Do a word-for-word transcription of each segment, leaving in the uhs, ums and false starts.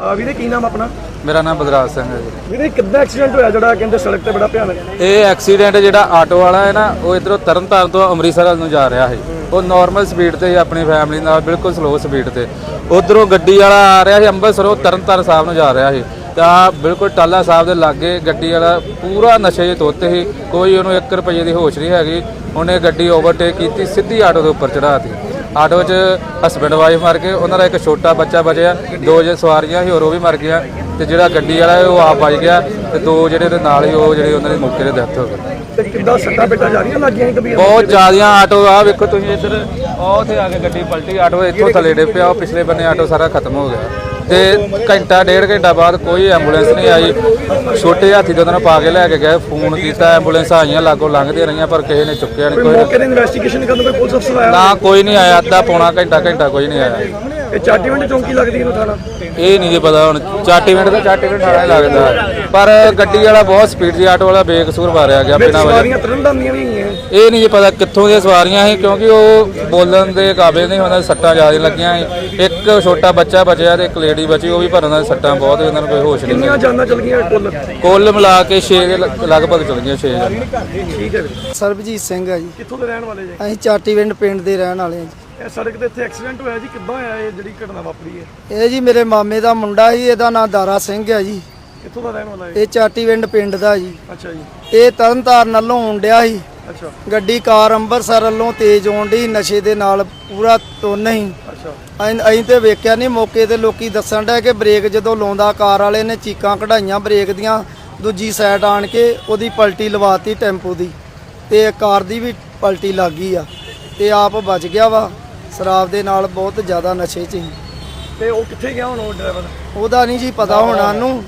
ਵੀਰੇ ਕੀ ਨਾਮ ਆਪਣਾ? मेरा नाम बलराज सिंह है जी। ਵੀਰੇ ਕਿੱਦਾਂ ਐਕਸੀਡੈਂਟ ਹੋਇਆ ਜਿਹੜਾ ਕਹਿੰਦੇ ਸੜਕ ਤੇ ਬੜਾ ਭਿਆਨਕ? ਇਹ ਐਕਸੀਡੈਂਟ ਜਿਹੜਾ ਆਟੋ ਵਾਲਾ ਹੈ ਨਾ, ਉਹ ਇਧਰੋਂ ਤਰਨਤਾਰਨ ਤੋਂ ਅੰਮ੍ਰਿਤਸਰ ਵੱਲ ਨੂੰ ਜਾ ਰਿਹਾ ਸੀ। ਉਹ ਨਾਰਮਲ ਸਪੀਡ ਤੇ ਆਪਣੀ ਫੈਮਿਲੀ ਨਾਲ ਬਿਲਕੁਲ ਸਲੋ ਸਪੀਡ ਤੇ, ਉਧਰੋਂ ਗੱਡੀ ਵਾਲਾ ਆ ਰਿਹਾ ਸੀ ਅੰਮ੍ਰਿਤਸਰੋਂ ਤਰਨਤਾਰਨ ਸਾਹਿਬ ਨੂੰ ਜਾ ਰਿਹਾ ਸੀ। ਤਾਂ ਬਿਲਕੁਲ ਟਾਲਾ ਸਾਹਿਬ ਦੇ ਲਾਗੇ ਗੱਡੀ ਵਾਲਾ ਪੂਰਾ ਨਸ਼ੇ 'ਚ ਧੁੱਤ ਸੀ, ਕੋਈ ਉਹਨੂੰ ਇੱਕ ਰੁਪਈਏ ਦੀ ਹੋਸ਼ ਨਹੀਂ ਹੈਗੀ। ਉਹਨੇ ਗੱਡੀ ਓਵਰਟੇਕ ਕੀਤੀ, ਸਿੱਧੀ ਆਟੋ ਦੇ ਉੱਪਰ ਚੜਾਤੀ। ਆਟੋ 'ਚ ਹਸਬੈਂਡ ਵਾਈਫ ਮਰ ਗਏ, ਉਹਨਾਂ ਦਾ ਇੱਕ ਛੋਟਾ ਬੱਚਾ ਬਚਿਆ, ਦੋ ਜੇ ਸਵਾਰੀਆਂ ਸੀ ਹੋਰ ਉਹ ਵੀ ਮਰ ਗਈਆਂ। ਤੇ ਜਿਹੜਾ ਗੱਡੀ ਵਾਲਾ ਉਹ ਆਪ ਵੱਜ ਗਿਆ, ਤੇ ਦੋ ਜਿਹੜੇ ਉਹਦੇ ਨਾਲ ਹੀ ਉਹ ਜਿਹੜੇ ਉਹਨਾਂ ਦੇ ਮੌਕੇ ਤੇ ਡੈਥ ਹੋ ਗਈ। ਤੇ ਕਿੱਦਾਂ ਸੱਟਾਂ ਪੇਟਾਂ ਜਾ ਰਹੀਆਂ ਲੱਗੀਆਂ ਕਬੀਰ? ਬਹੁਤ ਜ਼ਿਆਦੀਆਂ। ਆਟੋ ਆ ਵੇਖੋ ਤੁਸੀਂ ਇੱਧਰ, ਉਹ ਉੱਥੇ ਆ ਕੇ ਗੱਡੀ ਪਲਟੀ, ਆਟੋ ਇੱਥੋਂ ਥੱਲੇ ਡੇ ਪਿਆ, ਉਹ ਪਿਛਲੇ ਬੰਨੇ ਆਟੋ ਸਾਰਾ ਖਤਮ ਹੋ ਗਿਆ। ਤੇ ਘੰਟਾ ਡੇਢ ਘੰਟਾ ਬਾਅਦ ਕੋਈ ਐਂਬੂਲੈਂਸ ਨਹੀਂ ਆਈ। ਛੋਟੇ ਹਾਥੀ ਤੋਂ ਉਹਨਾਂ ਪਾ ਕੇ ਲੈ ਕੇ ਗਏ, ਫੋਨ ਕੀਤਾ, ਐਂਬੂਲੈਂਸ ਆਈਆਂ ਲਾਗੋਂ ਲੰਘਦੀਆਂ ਰਹੀਆਂ, ਪਰ ਕਿਸੇ ਨੇ ਚੁੱਕਿਆ ਨਹੀਂ। ਕੋਈ ਮੌਕੇ ਤੇ ਇਨਵੈਸਟੀਗੇਸ਼ਨ ਕਰਨ ਕੋਈ ਪੁਲਿਸ ਅਫਸਰ ਆਇਆ? ਨਾ, ਕੋਈ ਨਹੀਂ ਆਇਆ। ਅੱਧਾ ਪੌਣਾ ਘੰਟਾ ਘੰਟਾ ਕੋਈ ਨਹੀਂ ਆਇਆ। ਇਹ ਚਾਟੀਵਿੰਡ ਚੌਂਕੀ ਲੱਗਦੀ ਇਹਨੂੰ ਥਾਣਾ? ਇਹ ਨਹੀਂ ਜੀ ਪਤਾ ਹੁਣ। ਚਾਟੀਵਿੰਡ ਦਾ ਚਾਟੀਵਿੰਡ ਵਾਲਾ ਲੱਗਦਾ, ਪਰ ਗੱਡੀ ਵਾਲਾ ਬਹੁਤ ਸਪੀਡ ਸੀ, ਆਟੋ ਵਾਲਾ ਬੇਕਸੂਰ ਮਾਰਿਆ ਗਿਆ ਬਿਨਾਂ ਵਜ੍ਹਾ। ਸਵਾਰੀਆਂ ਤਰਨਤਾਰਨ ਦੀਆਂ ਵੀ ਹੈਗੀਆਂ? ਇਹ ਨਹੀਂ ਜੀ ਪਤਾ ਕਿੱਥੋਂ ਦੀਆਂ ਸਵਾਰੀਆਂ ਸੀ, ਕਿਉਂਕਿ ਉਹ ਬੋਲਣ ਦੇ ਕਾਬਿਲ ਨਹੀਂ, ਉਹਨਾਂ ਦੇ ਸੱਟਾਂ ਜ਼ਿਆਦਾ ਲੱਗੀਆਂ ਸੀ। ਇੱਕ ਛੋਟਾ ਬੱਚਾ ਬਚਿਆ ਤੇ ਇੱਕ ਲੇਡੀ ਬਚੀ, ਉਹ ਵੀ ਪਰ ਉਹਨਾਂ ਦੇ ਸੱਟਾਂ ਬਹੁਤ, ਉਹਨਾਂ ਨੂੰ ਕੋਈ ਹੋਸ਼ ਨਹੀਂ। ਕਿੰਨੀਆਂ ਜਾਨਾਂ ਚਲ ਗਈਆਂ ਕੁੱਲ? ਕੁੱਲ ਮਿਲਾ ਕੇ ਛੇ ਦੇ ਲਗਭਗ ਚਲ ਗਈਆਂ, ਛੇ ਜਾਨਾਂ। ਠੀਕ ਹੈ ਵੀਰੇ। ਸਰਬਜੀਤ ਸਿੰਘ ਹੈ ਜੀ। ਕਿੱਥੋਂ ਦੇ ਰਹਿਣ ਵਾਲੇ ਜੀ? ਅਸੀਂ ਚਾਟੀਵਿੰਡ ਪਿੰਡ ਦੇ ਰਹਿਣ ਵਾਲੇ ਹਾਂ ਜੀ। ਇਹ ਸੜਕ ਤੇ ਇੱਥੇ ਐਕਸੀਡੈਂਟ ਹੋਇਆ ਜੀ, ਕਿੱਦਾਂ ਹੋਇਆ ਇਹ ਜਿਹੜੀ ਘਟਨਾ ਵਾਪਰੀ ਹੈ? ਇਹ ਜੀ ਮੇਰੇ ਮਾਮੇ ਦਾ ਮੁੰਡਾ ਸੀ, ਇਹਦਾ ਨਾਮ ਦਾਰਾ ਸਿੰਘ ਹੈ ਜੀ। ਕਿੱਥੋਂ ਦਾ ਰਹਿਣ ਵਾਲਾ ਹੈ? ਇਹ ਚਾਟੀਵਿੰਡ ਪਿੰਡ ਦਾ ਜੀ। ਅੱਛਾ ਜੀ। ਇਹ ਤਰਨਤਾਰਨ ਵੱਲੋਂ ਆਉਣ ਡਿਆ ਸੀ। ਅੱਛਾ ਗੱਡੀ ਕਾਰ ਅੰਮ੍ਰਿਤਸਰ ਵੱਲੋਂ ਤੇਜ਼ ਆਉਣ ਡਈ, ਨਸ਼ੇ ਦੇ ਨਾਲ ਪੂਰਾ ਤੁੰਨ ਸੀ। ਅੱਛਾ। ਅਸੀਂ ਅਸੀਂ ਤੇ ਵੇਖਿਆ ਨਹੀਂ, ਮੌਕੇ ਤੇ ਲੋਕੀ ਦੱਸਣ ਡਿਆ ਕਿ ਬ੍ਰੇਕ ਜਦੋਂ ਲਾਉਂਦਾ ਕਾਰ ਵਾਲੇ ਨੇ ਚੀਕਾਂ ਕਢਾਈਆਂ ਬ੍ਰੇਕ ਦੀਆਂ, ਦੂਜੀ ਸਾਈਡ ਆਣ ਕੇ ਉਹਦੀ ਪਲਟੀ ਲਵਾਤੀ ਟੈਂਪੂ ਦੀ, ਤੇ ਕਾਰ ਦੀ ਵੀ ਪਲਟੀ ਲੱਗ ਗਈ ਆ, ਤੇ ਆਪ ਬਚ ਗਿਆ ਵਾ। ਸ਼ਰਾਬ ਦੇ ਨਾਲ ਬਹੁਤ ਜ਼ਿਆਦਾ ਨਸ਼ੇ 'ਚ ਸੀ। ਤੇ ਉਹ ਕਿੱਥੇ ਗਿਆ ਹੁਣ ਉਹ ਡਰਾਈਵਰ? ਉਹਦਾ ਨਹੀਂ ਜੀ ਪਤਾ ਹੋਣਾ ਨੂੰ।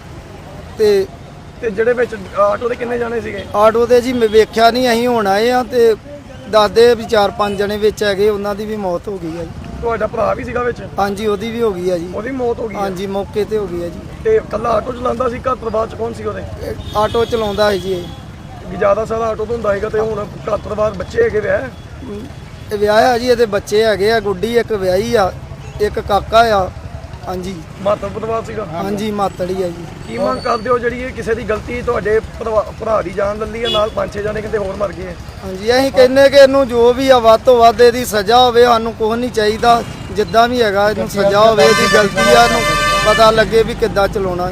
ਤੇ ਤੇ ਜਿਹੜੇ ਵਿੱਚ ਆਟੋ ਦੇ ਕਿੰਨੇ ਜਾਣੇ ਸੀਗੇ? ਆਟੋ ਤੇ ਜੀ ਮੈਂ ਵੇਖਿਆ ਨਹੀਂ, ਅਸੀਂ ਹੁਣ ਆਏ ਆ ਤੇ ਦੱਸਦੇ ਵੀ ਚਾਰ ਪੰਜ ਜਣੇ ਵਿੱਚ ਹੈਗੇ, ਉਹਨਾਂ ਦੀ ਵੀ ਮੌਤ ਹੋ ਗਈ ਹੈ ਜੀ। ਤੁਹਾਡਾ ਭਰਾ ਵੀ ਸੀਗਾ ਵਿੱਚ? ਹਾਂਜੀ, ਉਹਦੀ ਵੀ ਹੋ ਗਈ ਹੈ ਜੀ। ਉਹਦੀ ਮੌਤ ਹੋ ਗਈ? ਹਾਂਜੀ, ਮੌਕੇ ਤੇ ਹੋ ਗਈ ਹੈ ਜੀ। ਤੇ ਇਕੱਲਾ ਆਟੋ ਚਲਾਉਂਦਾ ਸੀ, ਘਰ ਪਰਿਵਾਰ ਚ ਕੌਣ ਸੀ ਉਹਦੇ? ਇਹ ਆਟੋ ਚਲਾਉਂਦਾ ਹੈ ਜੀ। ਇਹ ਵੀ ਜ਼ਿਆਦਾ ਸਾਰਾ ਆਟੋ ਤੋਂ ਹੁੰਦਾ ਹੈਗਾ। ਤੇ ਹੁਣ ਘਰ ਪਰਿਵਾਰ ਬੱਚੇ ਹੈਗੇ ਵਿਆਹ? ਇਹ ਵਿਆਹਿਆ ਜੀ, ਇਹਦੇ ਬੱਚੇ ਹੈਗੇ ਆ, ਗੁੱਡੀ ਇੱਕ ਵਿਆਹੀ ਆ, ਇੱਕ ਕਾਕਾ ਆ। ਹਾਂਜੀ, ਮਾਤਰ ਪਰਿਵਾਰ ਸੀਗਾ? ਹਾਂਜੀ, ਮਾਤੜੀ ਆ ਜੀ। ਕੀ ਮੰਗ ਕਰਦੇ ਹੋ ਜਿਹੜੀ ਇਹ ਕਿਸੇ ਦੀ ਗਲਤੀ, ਤੁਹਾਡੇ ਭਰਾ ਭਰਾ ਦੀ ਜਾਨ ਲੱਲੀ ਹੈ, ਨਾਲ ਪੰਜ ਛੇ ਜਾਣੇ ਕਿਤੇ ਹੋਰ ਮਰ ਗਏ? ਹਾਂਜੀ, ਅਸੀਂ ਕਹਿੰਦੇ ਕਿ ਇਹਨੂੰ ਜੋ ਵੀ ਆ ਵੱਧ ਤੋਂ ਵੱਧ ਇਹਦੀ ਸਜ਼ਾ ਹੋਵੇ। ਸਾਨੂੰ ਕੁਝ ਨਹੀਂ ਚਾਹੀਦਾ, ਜਿੱਦਾਂ ਵੀ ਹੈਗਾ ਇਹਨੂੰ ਸਜ਼ਾ ਹੋਵੇ। ਇਹਦੀ ਗਲਤੀ ਆ, ਇਹਨੂੰ ਪਤਾ ਲੱਗੇ ਵੀ ਕਿੱਦਾਂ ਚਲਾਉਣਾ।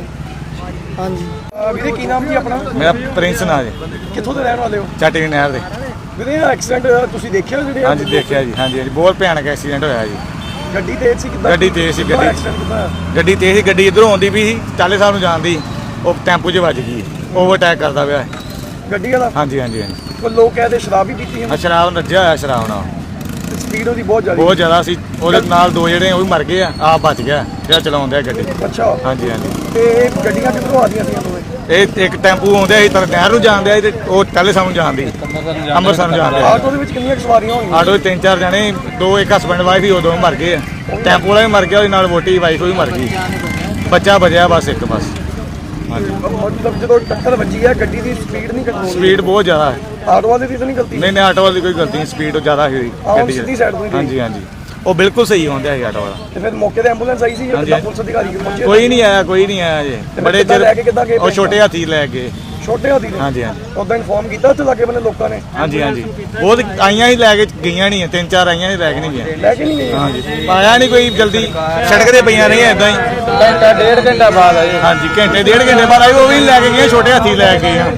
ਹਾਂਜੀ। ਵੀਰੇ ਕੀ ਨਾਮ ਜੀ ਆਪਣਾ? ਮੇਰਾ ਪ੍ਰਿੰਸ ਨਾਂ ਜੀ। ਕਿੱਥੋਂ ਦੇ ਰਹਿਣ ਵਾਲੇ ਹੋ? ਚਾਟੀਵਿੰਡ ਨਹਿਰ ਦੇ। ਵੀਰੇ ਐਕਸੀਡੈਂਟ ਤੁਸੀਂ ਦੇਖਿਆ ਜਿਹੜੇ? ਹਾਂਜੀ ਦੇਖਿਆ ਜੀ। ਹਾਂਜੀ ਹਾਂਜੀ, ਬਹੁਤ ਭਿਆਨਕ ਐਕਸੀਡੈਂਟ ਹੋਇਆ ਜੀ। ਗੱਡੀ ਤੇਜ਼ ਸੀ? ਕਿੱਦਾਂ ਗੱਡੀ ਤੇਜ਼ ਸੀ। ਗੱਡੀ ਐਕਸੀਡੈਂਟ ਕਿੱਦਾਂ? ਗੱਡੀ ਤੇਜ਼ ਸੀ, ਗੱਡੀ ਇਧਰੋਂ ਆਉਂਦੀ ਵੀ ਸੀ, ਚਾਲੇ ਸਾਹਿਬ ਨੂੰ ਜਾਂਦੀ, ਉਹ ਟੈਂਪੂ 'ਚ ਵੱਜ ਗਈ, ਓਵਰਟੇਕ ਕਰਦਾ ਪਿਆ। ਗੱਡੀ ਵਾਲਾ? ਹਾਂਜੀ ਹਾਂਜੀ ਹਾਂਜੀ। ਕੋਈ ਲੋਕ ਕਹਿੰਦੇ ਸ਼ਰਾਬ ਵੀ ਪੀਤੀ ਹੈ? ਆ ਸ਼ਰਾਬ ਨੱਜਿਆ ਹੋਇਆ, ਸ਼ਰਾਬ ਨਾਲ ਸਪੀਡ ਉਹਦੀ ਬਹੁਤ ਜ਼ਿਆਦਾ? ਬਹੁਤ ਜ਼ਿਆਦਾ ਸੀ। ਉਹਦੇ ਨਾਲ ਦੋ ਜਿਹੜੇ ਉਹ ਵੀ ਮਰ ਗਏ ਆ, ਆਪ ਬਚ ਗਿਆ ਜਿਹੜਾ ਚਲਾਉਂਦਾ ਗੱਡੀ। ਅੱਛਾ। ਹਾਂਜੀ ਹਾਂਜੀ। ਤੇ ਇਹ ਗੱਡੀਆਂ ਕਿੱਧਰੋਂ ਆਉਂਦੀਆਂ ਸੀ? ਇਹ ਇੱਕ ਟੈਂਪੂ ਆਉਂਦਾ ਸੀ ਤਾਂ ਨਹਿਰ ਨੂੰ ਜਾਂਦੇ ਤੇ ਉਹ ਚਾਲੇ ਸਾਹਿਬ ਨੂੰ ਜਾਂਦੀ, ਅੰਮ੍ਰਿਤਸਰ ਨੂੰ ਜਾਂਦੇ। ਆਟੋ ਦੇ ਵਿੱਚ ਕਿੰਨੀਆਂ ਸਵਾਰੀਆਂ ਹੋਣਗੀਆਂ? ਆਟੋ 'ਚ ਤਿੰਨ ਚਾਰ ਜਣੇ, ਦੋ ਇੱਕ ਹਸਬੈਂਡ ਵਾਈਫ ਹੀ, ਉਦੋਂ ਮਰ ਗਏ ਆ। ਟੈਂਪੂ ਵਾਲਾ ਵੀ ਮਰ ਗਿਆ, ਉਹਦੇ ਨਾਲ ਵੋਟੀ ਵਾਈਫ ਵੀ ਮਰ ਗਈ, ਬੱਚਾ ਬਚਿਆ ਬਸ ਇੱਕ ਬਸ। ਹਾਂਜੀ। ਮਤਲਬ ਜਦੋਂ ਟੱਕਰ ਵੱਜੀ ਹੈ, ਗੱਡੀ ਦੀ ਸਪੀਡ ਨਹੀਂ ਕੰਟਰੋਲ? ਸਪੀਡ ਬਹੁਤ ਜ਼ਿਆਦਾ ਹੈ। ਆਟੋ ਵਾਲੇ ਦੀ ਤਾਂ ਨਹੀਂ ਗਲਤੀ? ਨਹੀਂ ਨਹੀਂ, ਆਟੋ ਵਾਲੀ ਕੋਈ ਗਲਤੀ ਨਹੀਂ, ਸਪੀਡ ਜ਼ਿਆਦਾ ਹੋਈ ਗੱਡੀ ਸਿੱਧੀ ਸਾਈਡ ਤੋਂ ਹੀ? ਹਾਂਜੀ ਹਾਂਜੀ, ਉਹ ਬਿਲਕੁਲ ਸਹੀ ਆਉਂਦਾ ਸੀ ਆਟੋ ਵਾਲਾ। ਤੇ ਫਿਰ ਮੌਕੇ ਤੇ ਐਂਬੂਲੈਂਸ ਆਈ ਸੀ? ਹਾਂਜੀ। ਪੁਲਿਸ ਅਧਿਕਾਰੀ ਪਹੁੰਚੇ? ਕੋਈ ਨਹੀਂ ਆਇਆ, ਕੋਈ ਨਹੀਂ ਆਇਆ ਜੀ। ਬੜੇ ਚਿਰ ਲੈ ਕੇ ਕਿੱਦਾਂ ਗਏ? ਉਹ ਛੋਟੇ ਹਾਥੀ ਲੈ ਗਏ। ਛੋਟੇ ਹਾਥੀ ਨੇ? ਹਾਂਜੀ ਹਾਂਜੀ। ਉਦੋਂ ਇਨਫੋਰਮ ਕੀਤਾ ਉੱਥੇ ਲਾਗੇ ਬੰਨੇ ਲੋਕਾਂ ਨੇ? ਹਾਂਜੀ ਹਾਂਜੀ, ਬਹੁਤ ਆਈਆਂ ਹੀ ਲੈ ਕੇ ਗਈਆਂ ਨਹੀਂ, ਤਿੰਨ ਚਾਰ ਆਈਆਂ ਹੀ ਲੈ ਕੇ ਨਹੀਂ ਗਈਆਂ। ਲੈ ਕੇ ਨਹੀਂ ਗਏ? ਹਾਂਜੀ, ਆਇਆ ਨਹੀਂ ਕੋਈ ਜਲਦੀ, ਸੜਕ ਤੇ ਪਈਆਂ ਰਹੀਆਂ ਇਦਾਂ ਹੀ। ਘੰਟਾ ਡੇਢ ਘੰਟਾ ਬਾਅਦ ਆਏ। ਹਾਂਜੀ, ਘੰਟੇ ਡੇਢ ਘੰਟੇ ਬਾਅਦ ਆਈ, ਉਹ ਵੀ ਲੈ ਕੇ ਗਏ, ਛੋਟੇ ਹਾਥੀ ਲੈ ਕੇ ਗਏ।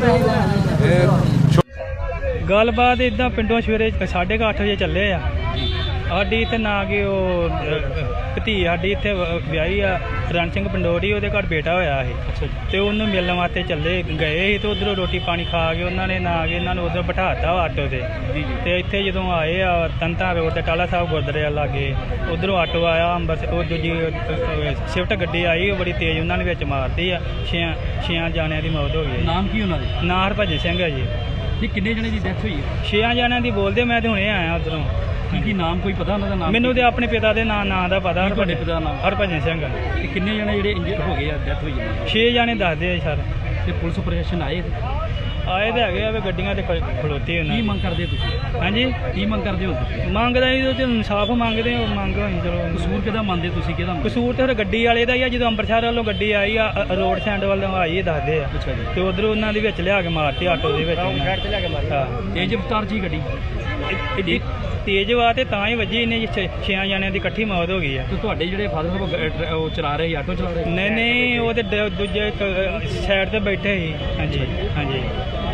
ਗੱਲਬਾਤ ਇਦਾਂ ਪਿੰਡੋਂ ਸਵੇਰੇ ਸਾਢੇ ਕੁ ਅੱਠ ਵਜੇ ਚੱਲੇ ਆ। ਸਾਡੀ ਇੱਥੇ ਨਾ ਕਿ ਉਹ ਭਤੀ ਸਾਡੀ ਇੱਥੇ ਵਿਆਹੀ ਆ, ਰਣ ਸਿੰਘ ਪੰਡੋਰੀ, ਉਹਦੇ ਘਰ ਬੇਟਾ ਹੋਇਆ ਸੀ, ਤੇ ਉਹਨੂੰ ਮਿਲਣ ਵਾਸਤੇ ਚੱਲੇ ਗਏ ਸੀ। ਤੇ ਉਧਰੋਂ ਰੋਟੀ ਪਾਣੀ ਖਾ ਕੇ ਉਹਨਾਂ ਨੇ ਨਾ ਕਿ ਇਹਨਾਂ ਨੂੰ ਉਧਰ ਬਿਠਾਤਾ ਆਟੋ ਤੇ। ਤੇ ਇੱਥੇ ਜਦੋਂ ਆਏ ਆ ਤੰਤਾ ਰੋਡ ਤੇ ਟਾਲਾ ਸਾਹਿਬ ਗੁਰਦੁਆਰੇ ਲਾਗੇ, ਉਧਰੋਂ ਆਟੋ ਆਇਆ ਅੰਬਰਸਰ, ਉਹ ਦੂਜੀ ਸ਼ਿਫਟ ਗੱਡੀ ਆਈ, ਉਹ ਬੜੀ ਤੇਜ਼ ਉਹਨਾਂ ਨੇ ਵਿੱਚ ਮਾਰਤੀ ਆ। ਛੇ ਛੇ ਜਾਣਿਆਂ ਦੀ ਮੌਤ ਹੋ ਗਈ। ਨਾਮ ਕੀ ਉਹਨਾਂ ਦੇ? ਨਾਂ ਹਰਭਜਨ ਸਿੰਘ ਹੈ ਜੀ। ਨਹੀਂ, ਕਿੰਨੇ ਜਣੇ ਦੀ ਡੈਥ ਹੋਈ ਹੈ? ਛੇ ਜਣਿਆਂ ਦੀ ਬੋਲਦੇ, ਮੈਂ ਤੇ ਹੁਣੇ ਆਇਆ ਉਧਰੋਂ। ਕੀ ਕੀ ਨਾਮ ਕੋਈ ਪਤਾ ਉਹਨਾਂ ਦਾ? ਨਾਮ ਮੈਨੂੰ ਤੇ ਆਪਣੇ ਪਿਤਾ ਦੇ ਨਾਂ ਨਾਂ ਦਾ ਪਤਾ। ਤੁਹਾਡੇ ਪਿਤਾ ਦਾ ਨਾਮ? ਹਰਭਜਨ ਸਿੰਘ। ਤੇ ਕਿੰਨੇ ਜਣੇ ਜਿਹੜੇ ਇੰਜਰਡ ਹੋ ਗਏ ਆ, ਡੈਥ ਹੋਈ ਹੈ? ਛੇ ਜਾਣੇ ਦੱਸਦੇ ਆ ਸਰ। ਤੇ ਪੁਲਿਸ ਪ੍ਰਸ਼ਾਸਨ ਆਏ? ਆਏ ਤੇ ਹੈਗੇ ਆ ਵੀ ਗੱਡੀਆਂ ਤੇ ਖ- ਖਲੋਤੀ ਉਹਨਾਂ ਕੀ ਦੀ। ਮੰਗ ਕਰਦੇ ਤੁਸੀਂ ਹਾਂਜੀ ਕੀ ਮੰਗ ਕਰਦੇ ਹੋ ਤੁਸੀਂ ਮੰਗਦਾ ਜੀ ਤੇ ਇਨਸਾਫ ਮੰਗਦੇ ਆ, ਮੰਗ ਹੋਈ ਚਲੋ ਕਸੂਰ ਕਿਹਦਾ ਮੰਨਦੇ ਤੁਸੀਂ ਕਿਹਦਾ ਮੰਨਦੇ? ਕਸੂਰ ਤੇ ਫਿਰ ਗੱਡੀ ਵਾਲੇ ਦਾ ਹੀ ਆ। ਜਦੋਂ ਅੰਮ੍ਰਿਤਸਰ ਵੱਲੋਂ ਗੱਡੀ ਆਈ ਆ ਅ- ਰੋਡ ਸਾਈਡ ਵੱਲੋਂ ਆਈ ਇਹ ਦੱਸਦੇ ਆ ਅੱਛਾ ਜੀ ਤੇ ਉਧਰੋਂ ਉਹਨਾਂ ਦੇ ਵਿੱਚ ਲਿਆ ਕੇ ਮਾਰਤੀ ਆਟੋ ਦੇ ਵਿੱਚ ਸਾਈਡ ਤੇ ਲਿਆ ਕੇ ਮਾਰੀ ਹਾਂ ਤੇਜ਼ ਰਫ਼ਤਾਰ ਜੀ ਗੱਡੀ ਇੱਡੀ ਤੇਜ਼ ਵਾ ਤੇ ਤਾਂ ਹੀ ਵੱਜੀ ਇਹਨੇ ਜੀ ਛੇ- ਛੇਆਂ ਜਣਿਆਂ ਦੀ ਇਕੱਠੀ ਮੌਤ ਹੋ ਗਈ ਆ। ਤੇ ਤੁਹਾਡੇ ਜਿਹੜੇ ਫਾਦਰ ਸਾਹਿਬ ਉਹ ਗ- ਡਰ- ਉਹ ਚਲਾ ਰਹੇ ਸੀ ਆਟੋ ਚਲਾ ਰਹੇ ਸੀ? ਨਹੀਂ ਨਹੀਂ ਉਹ ਤੇ ਦ- ਦੂਜੇ ਸਾਈਡ ਤੇ ਬੈਠੇ ਸੀ। ਹਾਂਜੀ ਹਾਂਜੀ